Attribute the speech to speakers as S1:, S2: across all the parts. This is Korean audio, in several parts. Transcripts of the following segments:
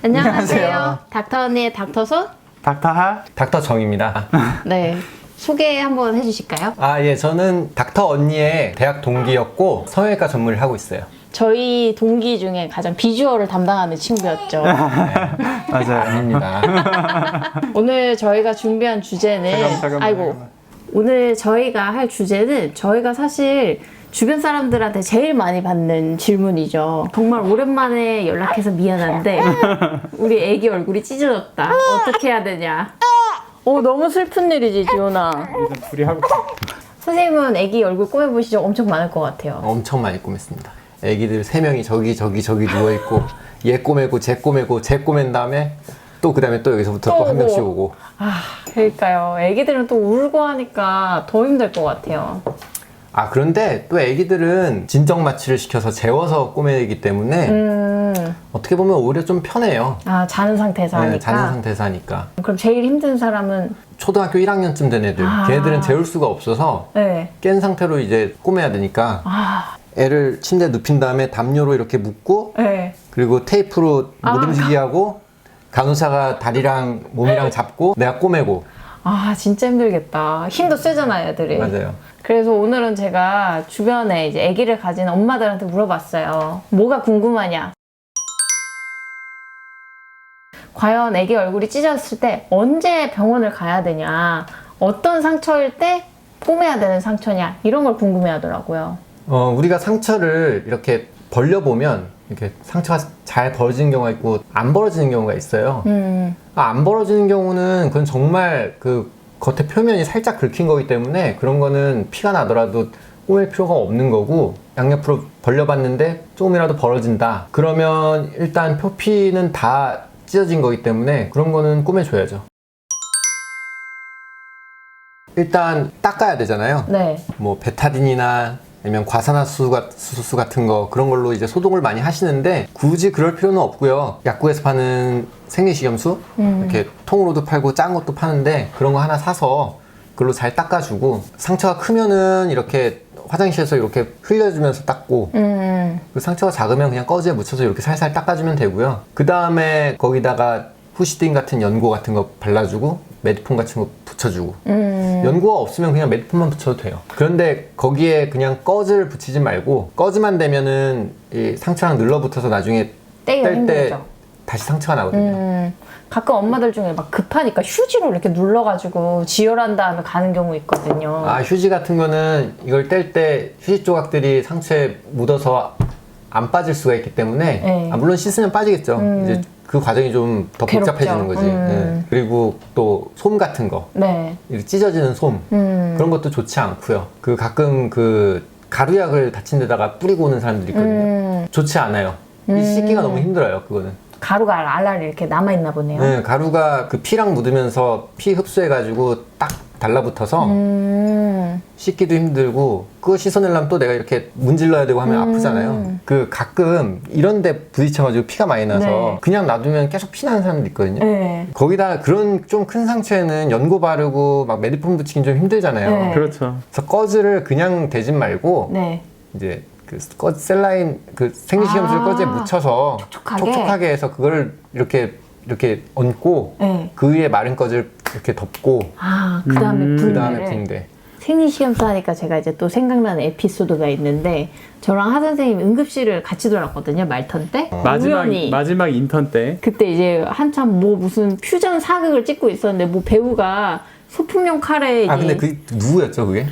S1: 안녕하세요. 닥터 언니의 닥터손?
S2: 닥터하?
S3: 닥터정입니다.
S1: 네. 소개 한번 해주실까요?
S3: 예, 저는 닥터 언니의 대학 동기였고 성형외과 전문을 하고 있어요.
S1: 저희 동기 중에 가장 비주얼을 담당하는 친구였죠.
S2: 맞아요.
S3: 아닙니다.
S1: 오늘 저희가 준비한 주제는 오늘 저희가 할 주제는 저희가 사실 주변 사람들한테 제일 많이 받는 질문이죠. 정말 오랜만에 연락해서 미안한데 우리 애기 얼굴이 찢어졌다. 어떻게 해야 되냐? 너무 슬픈 일이지, 지훈아.
S2: 일단 둘이 하고
S1: 선생님은 애기 얼굴 꾸며보신 적 엄청 많을 것 같아요.
S3: 엄청 많이 꾸몄습니다. 애기들 3명이 저기 누워있고 얘 꼬매고 쟤 꼬매고 쟤 꼬맨 다음에 또 그 다음에 또 여기서부터 또 한 명씩 오고.
S1: 그러니까요. 애기들은 또 울고 하니까 더 힘들 것 같아요.
S3: 그런데 또 애기들은 진정 마취를 시켜서 재워서 꼬매기 때문에 어떻게 보면 오히려 좀 편해요.
S1: 자는 상태에서 하니까?
S3: 네, 자는 상태에서 하니까.
S1: 그럼 제일 힘든 사람은?
S3: 초등학교 1학년쯤 된 애들. 걔네들은 재울 수가 없어서
S1: 네.
S3: 깬 상태로 이제 꼬매야 되니까 애를 침대에 눕힌 다음에 담요로 이렇게 묶고
S1: 네.
S3: 그리고 테이프로 못 움직이게 하고 간호사가 다리랑 몸이랑 잡고 내가 꼬매고.
S1: 진짜 힘들겠다. 힘도 세잖아요, 애들이.
S3: 맞아요.
S1: 그래서 오늘은 제가 주변에 이제 아기를 가진 엄마들한테 물어봤어요. 뭐가 궁금하냐? 과연 아기 얼굴이 찢어졌을 때 언제 병원을 가야 되냐? 어떤 상처일 때 꼬매야 되는 상처냐? 이런 걸 궁금해 하더라고요.
S3: 우리가 상처를 이렇게 벌려보면 이렇게 상처가 잘 벌어지는 경우가 있고 안 벌어지는 경우가 있어요. 안 벌어지는 경우는 그건 정말 그 겉에 표면이 살짝 긁힌 거기 때문에 그런 거는 피가 나더라도 꼬맬 필요가 없는 거고, 양옆으로 벌려봤는데 조금이라도 벌어진다 그러면 일단 표피는 다 찢어진 거기 때문에 그런 거는 꼬매줘야죠. 일단 닦아야 되잖아요.
S1: 네.
S3: 뭐 베타딘이나 아니면 과산화수소 같은 거, 그런 걸로 이제 소독을 많이 하시는데 굳이 그럴 필요는 없고요. 약국에서 파는 생리식염수 이렇게 통으로도 팔고 짠 것도 파는데 그런 거 하나 사서 그걸로 잘 닦아주고, 상처가 크면은 이렇게 화장실에서 이렇게 흘려주면서 닦고, 그 상처가 작으면 그냥 꺼지에 묻혀서 이렇게 살살 닦아주면 되고요. 그 다음에 거기다가 후시딘 같은 연고 같은 거 발라주고 메디폼 같은 거 붙여주고. 연고가 없으면 그냥 메디폼만 붙여도 돼요. 그런데 거기에 그냥 꺼즈를 붙이지 말고, 꺼즈만 되면은 이 상처랑 늘러붙어서 나중에 뗄 때 다시 상처가 나거든요.
S1: 가끔 엄마들 중에 막 급하니까 휴지로 이렇게 눌러가지고 지혈한 다음에 가는 경우 있거든요.
S3: 휴지 같은 거는 이걸 뗄 때 휴지 조각들이 상처에 묻어서 안 빠질 수가 있기 때문에
S1: 네.
S3: 물론 씻으면 빠지겠죠. 이제 그 과정이 좀 더 복잡해지는 거지. 네. 그리고 또 솜 같은 거,
S1: 네.
S3: 이렇게 찢어지는 솜, 그런 것도 좋지 않고요. 그 가끔 그 가루약을 다친 데다가 뿌리고 오는 사람들이 있거든요. 좋지 않아요. 이 씻기가 너무 힘들어요, 그거는.
S1: 가루가 알알이 이렇게 남아있나 보네요.
S3: 네, 가루가 그 피랑 묻으면서 피 흡수해가지고 딱 달라붙어서 씻기도 힘들고, 그거 씻어내려면 또 내가 이렇게 문질러야 되고 하면 아프잖아요. 그 가끔 이런데 부딪혀가지고 피가 많이 나서
S1: 네.
S3: 그냥 놔두면 계속 피 나는 사람도 있거든요.
S1: 네.
S3: 거기다 그런 좀 큰 상처에는 연고 바르고 막 메디폼 붙이긴 좀 힘들잖아요.
S1: 네.
S2: 그렇죠.
S3: 그래서 꺼즈를 그냥 대진 말고
S1: 네.
S3: 이제 그 셀라인 그 생리식염수를 꺼즈에 묻혀서 촉촉하게 해서 그걸 이렇게 얹고
S1: 네.
S3: 그 위에 마른 꺼즈를 이렇게 덮고
S1: 그 다음에
S3: 그 다음에 붕대.
S1: 생리식염수 하니까 제가 이제 또 생각나는 에피소드가 있는데, 저랑 하 선생님 응급실을 같이 돌았거든요, 말턴 때.
S2: 마지막 인턴 때.
S1: 그때 이제 한참 무슨 퓨전 사극을 찍고 있었는데 배우가 소품용 칼에
S3: 근데 그 누구였죠, 그게?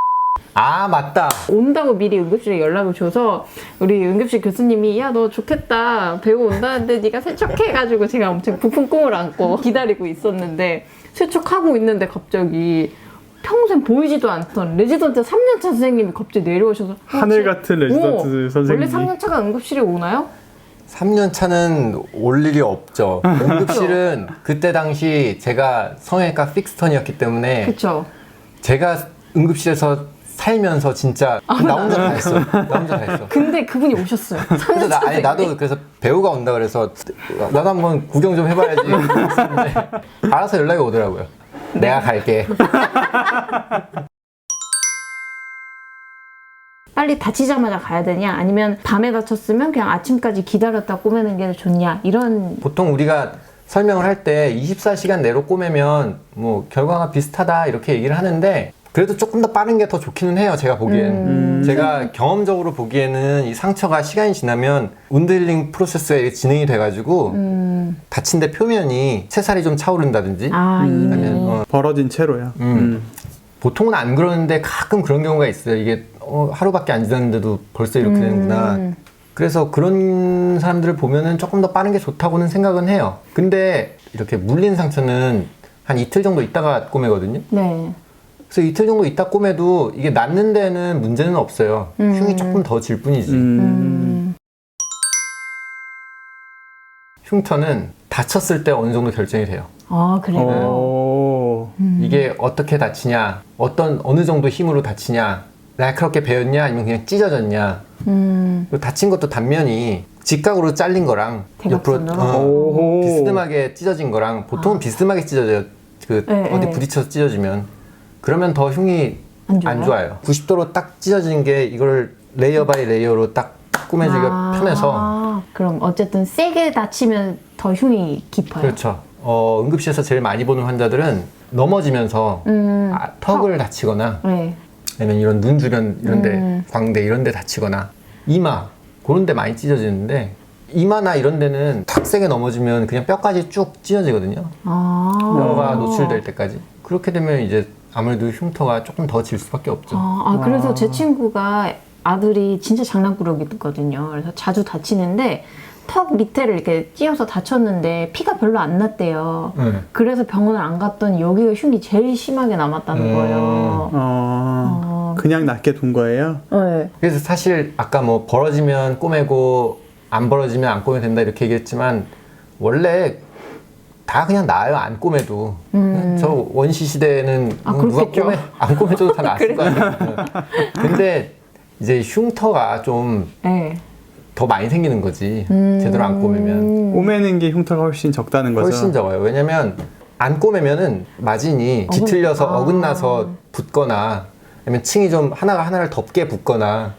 S3: 맞다.
S1: 온다고 미리 응급실에 연락을 줘서 우리 응급실 교수님이 야, 너 좋겠다, 배우 온다는데 네가 세척해가지고 제가 엄청 부푼 꿈을 안고 기다리고 있었는데, 세척하고 있는데 갑자기 평생 보이지도 않던 레지던트 3년차 선생님이 갑자기 내려오셔서
S2: 하늘 같은 레지던트 선생님이.
S1: 원래 3년차가 응급실에 오나요?
S3: 3년 차는 올 일이 없죠. 응급실은 그때 당시 제가 성형외과 픽스턴이었기 때문에
S1: 그쵸.
S3: 제가 응급실에서 살면서 진짜 나 혼자 다 했어. 나 혼자 다 했어.
S1: 근데 그분이 오셨어요.
S3: 그래서 나도 그래서 배우가 온다 그래서 나도 한번 구경 좀 해봐야지 했었는데 알아서 연락이 오더라고요. 내가 갈게.
S1: 빨리 다치자마자 가야 되냐 아니면 밤에 다쳤으면 그냥 아침까지 기다렸다 꼬매는 게 좋냐 이런.
S3: 보통 우리가 설명을 할 때 24시간 내로 꼬매면 뭐 결과가 비슷하다 이렇게 얘기를 하는데 그래도 조금 더 빠른 게 더 좋기는 해요. 제가 보기엔. 제가 경험적으로 보기에는 이 상처가 시간이 지나면 운드 힐링 프로세스가 진행이 돼가지고 다친 데 표면이 채살이 좀 차오른다든지 아니면
S2: 벌어진 채로요.
S3: 보통은 안 그러는데 가끔 그런 경우가 있어요. 이게 하루밖에 안 지났는데도 벌써 이렇게 되는구나. 그래서 그런 사람들을 보면은 조금 더 빠른 게 좋다고는 생각은 해요. 근데 이렇게 물린 상처는 한 이틀 정도 있다가 꼬매거든요.
S1: 네.
S3: 그래서 이틀 정도 있다 꼬매도 이게 낫는 데는 문제는 없어요. 흉이 조금 더 질 뿐이지. 흉터는 다쳤을 때 어느 정도 결정이 돼요.
S1: 아, 그래요?
S3: 이게 어떻게 다치냐, 어느 정도 힘으로 다치냐, 날카롭게 베었냐, 아니면 그냥 찢어졌냐. 그리고 다친 것도 단면이 직각으로 잘린 거랑 옆으로 비스듬하게 찢어진 거랑 보통은 비스듬하게 찢어져요. 어디 부딪혀서 찢어지면. 그러면 더 흉이 안 좋아요. 90도로 딱 찢어진 게 이걸 레이어 바이 레이어로 딱 꾸며주기가 편해서.
S1: 그럼 어쨌든 세게 다치면 더 흉이 깊어요.
S3: 그렇죠. 응급실에서 제일 많이 보는 환자들은 넘어지면서 턱을 다치거나
S1: 네.
S3: 아니면 이런 눈 주변 이런데 광대 이런데 다치거나 이마 그런 데 많이 찢어지는데 이마나 이런 데는 탁 세게 넘어지면 그냥 뼈까지 쭉 찢어지거든요. 뼈가 노출될 때까지. 그렇게 되면 이제 아무래도 흉터가 조금 더 질 수밖에 없죠.
S1: 그래서 제 친구가 아들이 진짜 장난꾸러기거든요. 그래서 자주 다치는데 턱 밑에를 이렇게 찧어서 다쳤는데 피가 별로 안 났대요. 그래서 병원을 안 갔더니 여기가 흉이 제일 심하게 남았다는 거예요.
S2: 그냥 낫게 둔 거예요?
S1: 네.
S3: 그래서 사실 아까 뭐 벌어지면 꼬매고 안 벌어지면 안 꼬매도 된다 이렇게 얘기했지만 원래 다 그냥 나아요. 안 꼬매도. 저 원시 시대에는 누가 안 꼬매줘도 다 나았을 거 아니에요. 근데 이제 흉터가 좀 더 많이 생기는 거지. 제대로 안 꼬매면.
S2: 꼬매는 게 흉터가 훨씬 적다는 거죠?
S3: 훨씬 적어요. 왜냐면 안 꼬매면은 마진이 뒤틀려서 어긋나서 붙거나 아니면 층이 좀 하나가 하나를 덮게 붙거나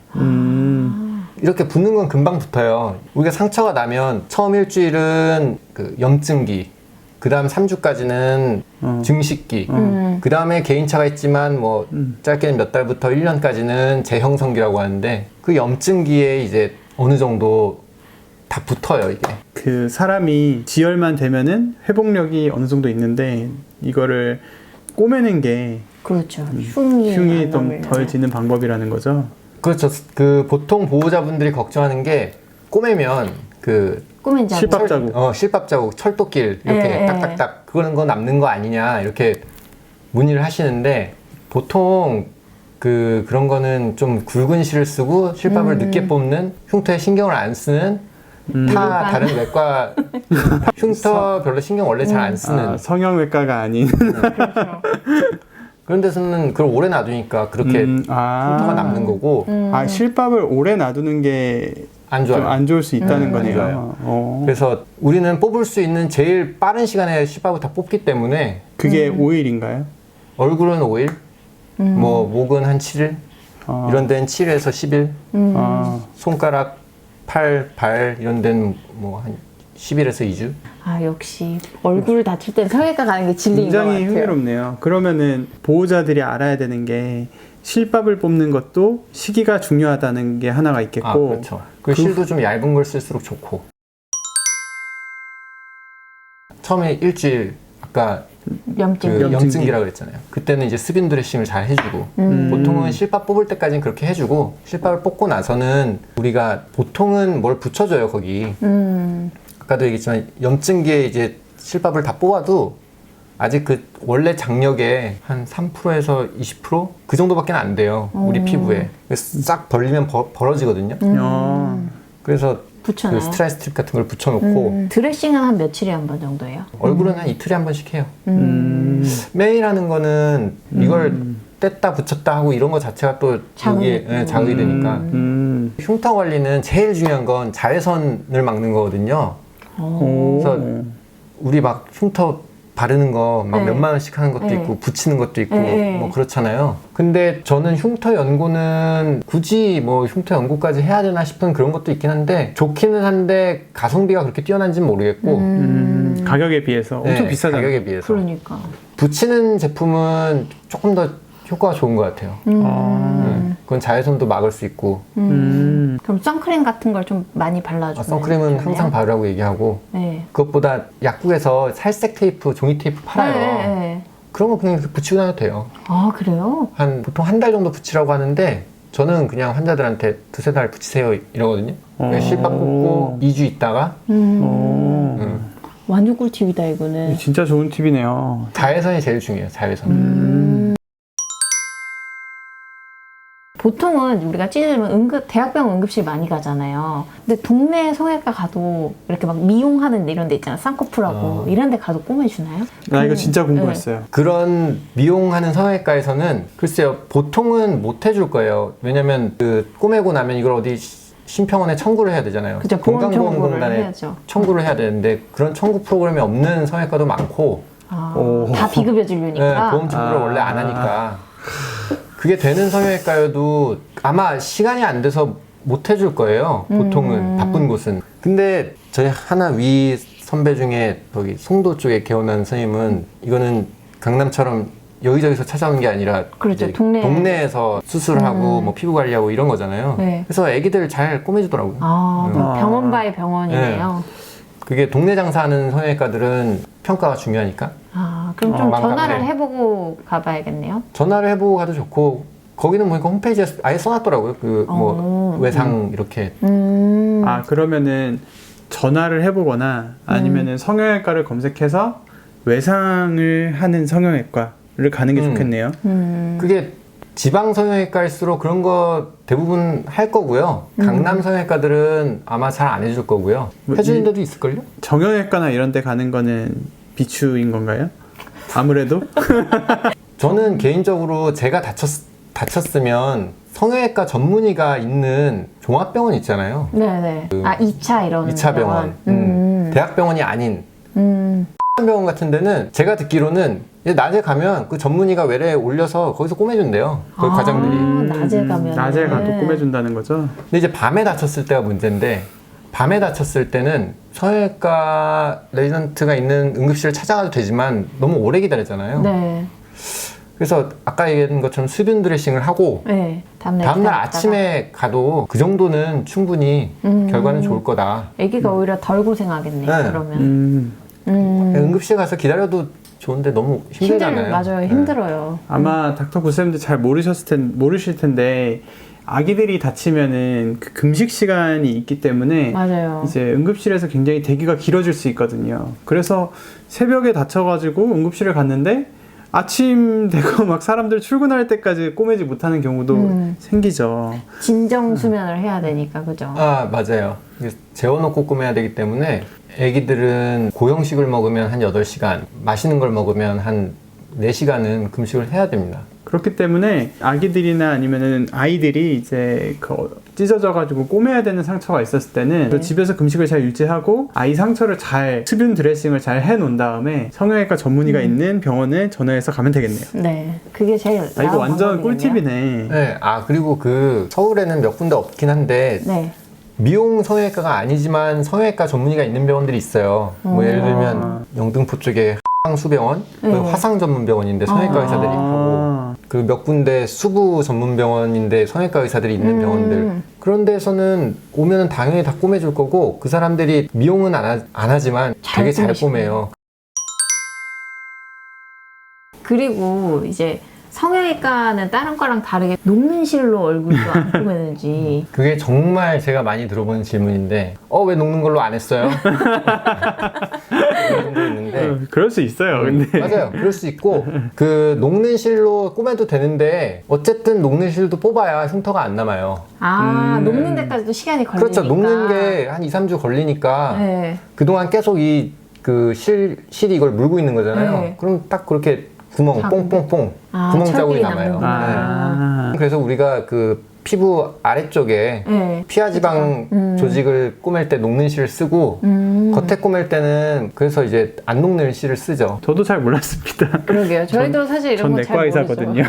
S3: 이렇게 붙는 건 금방 붙어요. 우리가 상처가 나면 처음 일주일은 그 염증기, 그 다음 3주까지는 증식기, 그 다음에 개인차가 있지만 뭐 짧게는 몇 달부터 1년까지는 재형성기라고 하는데 그 염증기에 이제 어느 정도 다 붙어요, 이게.
S2: 그 사람이 지혈만 되면은 회복력이 어느 정도 있는데 이거를 꼬매는 게
S1: 그렇죠. 흉이
S2: 좀 덜 지는 방법이라는 거죠?
S3: 그렇죠. 그 보통 보호자분들이 걱정하는 게 꼬매면 그
S2: 실밥 자국,
S3: 실밥 자국, 철도길 이렇게 딱딱딱 그거는 거 남는 거 아니냐 이렇게 문의를 하시는데 보통 그런 거는 좀 굵은 실을 쓰고 실밥을 늦게 뽑는 흉터에 신경을 안 쓰는 다른 외과 흉터 별로 신경 원래 잘 안 쓰는
S2: 성형외과가 아닌
S3: 그렇죠. 그런 데서는 그걸 오래 놔두니까 그렇게 흉터가 남는 거고
S2: 실밥을 오래 놔두는 게
S3: 안 좋아요.
S2: 안 좋을 수 있다는 거네요.
S3: 그래서 우리는 뽑을 수 있는 제일 빠른 시간에 실밥을 다 뽑기 때문에
S2: 그게 5일인가요?
S3: 얼굴은 5일, 뭐 목은 한 7일, 이런 데는 7에서 10일, 손가락, 팔, 발 이런 데는 뭐 한 10일에서 2주.
S1: 역시 얼굴 다칠 땐 성형외과 가는 게 진리인 것 같아요.
S2: 굉장히 흥미롭네요. 그러면은 보호자들이 알아야 되는 게 실밥을 뽑는 것도 시기가 중요하다는 게 하나가 있겠고
S3: 그렇죠. 그 실도 좀 얇은 걸 쓸수록 좋고 처음에 일주일 아까 염증기라고 그랬잖아요. 그때는 이제 스빈 드레싱을 잘 해주고 보통은 실밥 뽑을 때까지는 그렇게 해주고 실밥을 뽑고 나서는 우리가 보통은 뭘 붙여줘요 거기. 아까도 얘기했지만 염증기에 이제 실밥을 다 뽑아도 아직 그 원래 장력의 한 3%에서 20% 그 정도밖에 안 돼요. 우리 피부에. 싹 벌리면 벌어지거든요. 그래서 그 스트라이 스트립 같은 걸 붙여놓고
S1: 드레싱은 한 며칠에 한 번 정도예요?
S3: 얼굴은 한 이틀에 한 번씩 해요. 매일 하는 거는 이걸 뗐다 붙였다 하고 이런 거 자체가 또 자극이 되니까 흉터 관리는 제일 중요한 건 자외선을 막는 거거든요. 그래서 우리 막 흉터 바르는 거 막
S1: 네.
S3: 몇만 원씩 하는 것도
S1: 네.
S3: 있고 붙이는 것도 있고
S1: 네.
S3: 뭐 그렇잖아요. 근데 저는 흉터 연고는 굳이 뭐 흉터 연고까지 해야 되나 싶은 그런 것도 있긴 한데 좋기는 한데 가성비가 그렇게 뛰어난지는 모르겠고
S2: 가격에 비해서 엄청
S3: 네,
S2: 비싸잖아요.
S3: 가격에 비해서
S1: 그러니까.
S3: 붙이는 제품은 조금 더 효과가 좋은 것 같아요. 그건 자외선도 막을 수 있고
S1: 그럼 선크림 같은 걸 좀 많이 발라주면
S3: 선크림은
S1: 좋네요?
S3: 항상 바르라고 얘기하고
S1: 네.
S3: 그것보다 약국에서 살색 테이프, 종이 테이프 팔아요.
S1: 네, 네.
S3: 그런 거 그냥 이렇게 붙이고 다녀도 돼요.
S1: 아 그래요?
S3: 보통 한 달 정도 붙이라고 하는데 저는 그냥 환자들한테 2-3달 붙이세요 이러거든요. 실밥 꽂고 2주 있다가
S1: 완전 꿀팁이다 이거는.
S2: 진짜 좋은 팁이네요.
S3: 자외선이 제일 중요해요. 자외선.
S1: 보통은 우리가 찌르면 대학병원 응급실 많이 가잖아요. 근데 동네 성형외과 가도 이렇게 막 미용하는 이런 데 있잖아. 쌍꺼풀하고 이런 데 가도 꼬매주나요?
S2: 나 이거 진짜 궁금했어요.
S3: 그런 미용하는 성형외과에서는 글쎄요 보통은 못 해줄 거예요. 왜냐면 그 꼬매고 나면 이걸 어디 심평원에 청구를 해야 되잖아요.
S1: 그죠, 보험 청구를
S3: 건강보험공단에
S1: 해야죠.
S3: 청구를 해야 되는데 그런 청구 프로그램이 없는 성형외과도 많고
S1: 다 비급여 진료니까.
S3: 네, 보험 청구를 원래 안 하니까 그게 되는 성형외과여도 아마 시간이 안 돼서 못 해줄 거예요. 보통은 바쁜 곳은. 근데 저희 하나 위 선배 중에 거기 송도 쪽에 개원한 선생님은 이거는 강남처럼 여기저기서 찾아오는 게 아니라
S1: 그렇죠,
S3: 이제
S1: 동네에서
S3: 수술하고 뭐 피부 관리하고 이런 거잖아요.
S1: 네.
S3: 그래서 애기들 잘 꼬매주더라고요.
S1: 병원 바이 병원이네요.
S3: 그게 동네 장사하는 성형외과들은 평가가 중요하니까
S1: 그럼 좀
S3: 망감해.
S1: 전화를 해보고 가봐야겠네요.
S3: 전화를 해보고 가도 좋고 거기는 보니까 홈페이지에 아예 써놨더라고요. 그 뭐 외상 이렇게.
S2: 그러면은 전화를 해보거나 아니면은 성형외과를 검색해서 외상을 하는 성형외과를 가는 게 좋겠네요.
S3: 그게 지방 성형외과일수록 그런 거 대부분 할 거고요. 강남 성형외과들은 아마 잘 안 해줄 거고요. 해주는 데도 있을걸요?
S2: 정형외과나 이런 데 가는 거는 비추인 건가요? 아무래도?
S3: 저는 개인적으로 제가 다쳤으면 성형외과 전문의가 있는 종합병원 있잖아요.
S1: 네네. 2차 이런
S3: 2차 병원. 대학병원이 아닌 병원 같은 데는 제가 듣기로는 이제 낮에 가면 그 전문의가 외래에 올려서 거기서 꼬매준대요. 거기 과장들이.
S1: 낮에 가면.
S2: 낮에 가도 꼬매준다는 거죠?
S3: 근데 이제 밤에 다쳤을 때가 문제인데 밤에 다쳤을 때는 성형외과 레지던트가 있는 응급실을 찾아가도 되지만 너무 오래 기다리잖아요.
S1: 네.
S3: 그래서 아까 얘기한 것처럼 수분 드레싱을 하고
S1: 네. 다음날
S3: 다음날
S1: 기다렸다가.
S3: 아침에 가도 그 정도는 충분히 결과는 좋을 거다.
S1: 아기가 오히려 덜 고생하겠네요.
S3: 네.
S1: 그러면.
S3: 응급실 가서 기다려도 좋은데 너무 힘들잖아요.
S1: 맞아요. 힘들어요.
S2: 아마 닥터 구쌤도 잘 모르실 텐데 아기들이 다치면은 그 금식 시간이 있기 때문에
S1: 맞아요.
S2: 이제 응급실에서 굉장히 대기가 길어질 수 있거든요. 그래서 새벽에 다쳐가지고 응급실을 갔는데 아침 되고 막 사람들 출근할 때까지 꼬매지 못하는 경우도 생기죠.
S1: 진정 수면을 해야 되니까 그죠?
S3: 맞아요. 이게 재워놓고 꼬매야 되기 때문에 애기들은 고형식을 먹으면 한 8시간, 맛있는 걸 먹으면 한 4시간은 금식을 해야 됩니다.
S2: 그렇기 때문에 아기들이나 아니면은 아이들이 이제 찢어져가지고 꼬매야 되는 상처가 있었을 때는 집에서 금식을 잘 유지하고 아이 상처를 잘 수분 드레싱을 잘 해놓은 다음에 성형외과 전문의가 있는 병원에 전화해서 가면 되겠네요.
S1: 네, 그게 제일
S2: 이거
S1: 나은
S2: 완전
S1: 방법이겠네요.
S2: 꿀팁이네.
S3: 네, 그리고 서울에는 몇 군데 없긴 한데
S1: 네.
S3: 미용 성형외과가 아니지만 성형외과 전문의가 있는 병원들이 있어요. 뭐 예를 들면 영등포 쪽에 화상수병원, 화상 전문 병원인데 성형외과 의사들이 하고 그 몇 군데 수부 전문 병원인데 성형외과 의사들이 있는 병원들 그런 데서는 오면은 당연히 다 꼬매줄 거고 그 사람들이 미용은 안 하지만 되게 잘 꼬매요.
S1: 그리고 이제 성형외과는 다른 거랑 다르게 녹는 실로 얼굴도 안 꼬매는지.
S3: 그게 정말 제가 많이 들어보는 질문인데 왜 녹는 걸로 안 했어요? 그런 분도 있는데
S2: 그럴 수 있어요. 근데
S3: 맞아요. 그럴 수 있고 그 녹는 실로 꼬매도 되는데 어쨌든 녹는 실도 뽑아야 흉터가 안 남아요.
S1: 녹는 데까지도 시간이 걸리니까.
S3: 그렇죠. 녹는 게 한 2-3주 걸리니까
S1: 네.
S3: 그동안 계속 실이 이걸 물고 있는 거잖아요.
S1: 네.
S3: 그럼 딱 그렇게 구멍 뽕뽕뽕 구멍 자국이
S1: 철길이
S3: 남아요.
S1: 남는구나.
S3: 네. 그래서 우리가 피부 아래쪽에
S1: 네.
S3: 피하 지방 조직을 꼬맬 때 녹는 실을 쓰고 겉에 꼬맬 때는 그래서 이제 안 녹는 실을 쓰죠.
S2: 저도 잘 몰랐습니다.
S1: 그러게요. 저희도 사실 이런
S2: 전
S1: 거 잘
S2: 내과
S1: 모르죠.
S2: 의사거든요.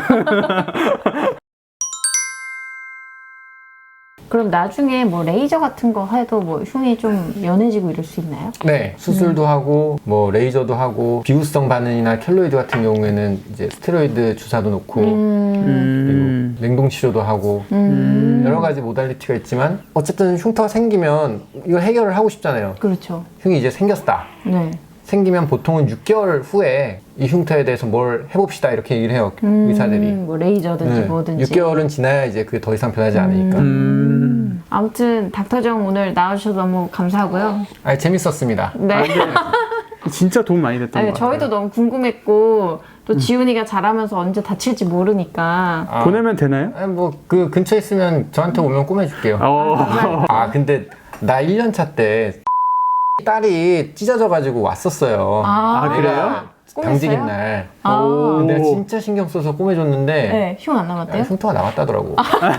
S1: 그럼 나중에 뭐 레이저 같은 거 해도 뭐 흉이 좀 연해지고 이럴 수 있나요?
S3: 네, 수술도 하고 뭐 레이저도 하고 비후성 반응이나 켈로이드 같은 경우에는 이제 스테로이드 주사도 놓고 그리고 냉동 치료도 하고 여러 가지 모달리티가 있지만 어쨌든 흉터가 생기면 이걸 해결을 하고 싶잖아요.
S1: 그렇죠.
S3: 흉이 이제 생겼다.
S1: 네.
S3: 생기면 보통은 6개월 후에 이 흉터에 대해서 뭘 해봅시다 이렇게 얘기를 해요. 의사들이.
S1: 뭐 레이저든지
S3: 네,
S1: 뭐든지.
S3: 6개월은 지나야 이제 그게 더 이상 변하지 않으니까.
S1: 아무튼 닥터정 오늘 나와주셔서 너무 감사하고요.
S3: 아니, 재밌었습니다.
S1: 네.
S2: 진짜 도움 많이 됐던
S1: 아니,
S2: 것 같아요.
S1: 저희도 너무 궁금했고 또 지훈이가 자라면서 언제 다칠지 모르니까.
S3: 아,
S2: 보내면 되나요?
S3: 아니, 뭐 그 근처에 있으면 저한테 오면 꼬매줄게요. 아 근데 나 1년차 때 딸이 찢어져가지고 왔었어요.
S1: 아,
S2: 그래요?
S3: 당직인
S1: 꼬맸어요?
S3: 날.
S1: 아.
S3: 근데 내가 진짜 신경 써서 꼬매줬는데
S1: 네, 흉 안 남았대요?
S3: 흉터가 나왔다더라고.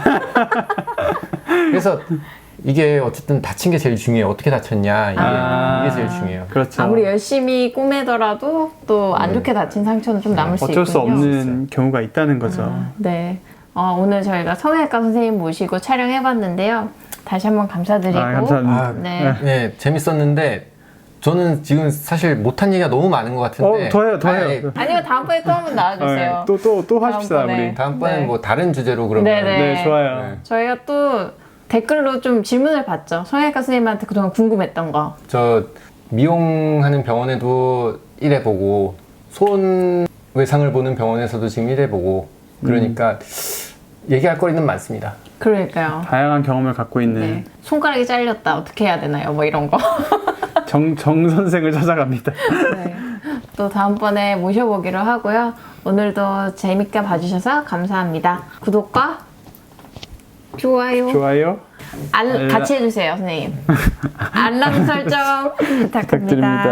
S3: 그래서 이게 어쨌든 다친 게 제일 중요해요. 어떻게 다쳤냐 이게 제일 중요해요.
S2: 그렇죠.
S1: 아무리 열심히 꼬매더라도 또 안 좋게 다친 상처는 좀 남을 수 있군요.
S2: 어쩔 수 없는 경우가 있다는 거죠.
S1: 네. 오늘 저희가 성형외과 선생님 모시고 촬영해봤는데요. 다시 한번 감사드리고.
S2: 감사합니다.
S3: 아,
S1: 네.
S3: 네, 재밌었는데 저는 지금 사실 못한 얘기가 너무 많은 것 같은데.
S2: 더 해요.
S1: 아니면 다음번에 또 한번 나와주세요.
S2: 또 하십시다,
S1: 다음번에.
S2: 우리.
S3: 다음번엔
S1: 네.
S3: 뭐 다른 주제로 그러면.
S1: 네네.
S2: 네, 좋아요.
S3: 네.
S1: 저희가 또 댓글로 좀 질문을 받죠. 성형외과 선생님한테 그동안 궁금했던 거.
S3: 저 미용하는 병원에도 일해보고 손 외상을 보는 병원에서도 지금 일해보고 그러니까 얘기할 거리는 많습니다.
S1: 그러니까요.
S2: 다양한 경험을 갖고 있는
S1: 네. 손가락이 잘렸다. 어떻게 해야 되나요? 뭐 이런 거.
S2: 정 선생을 찾아갑니다.
S1: 네. 또 다음번에 모셔보기로 하고요. 오늘도 재밌게 봐주셔서 감사합니다. 구독과 좋아요.
S2: 좋아요.
S1: 같이 해주세요, 선생님. 알람 설정 부탁합니다.
S2: 부탁드립니다.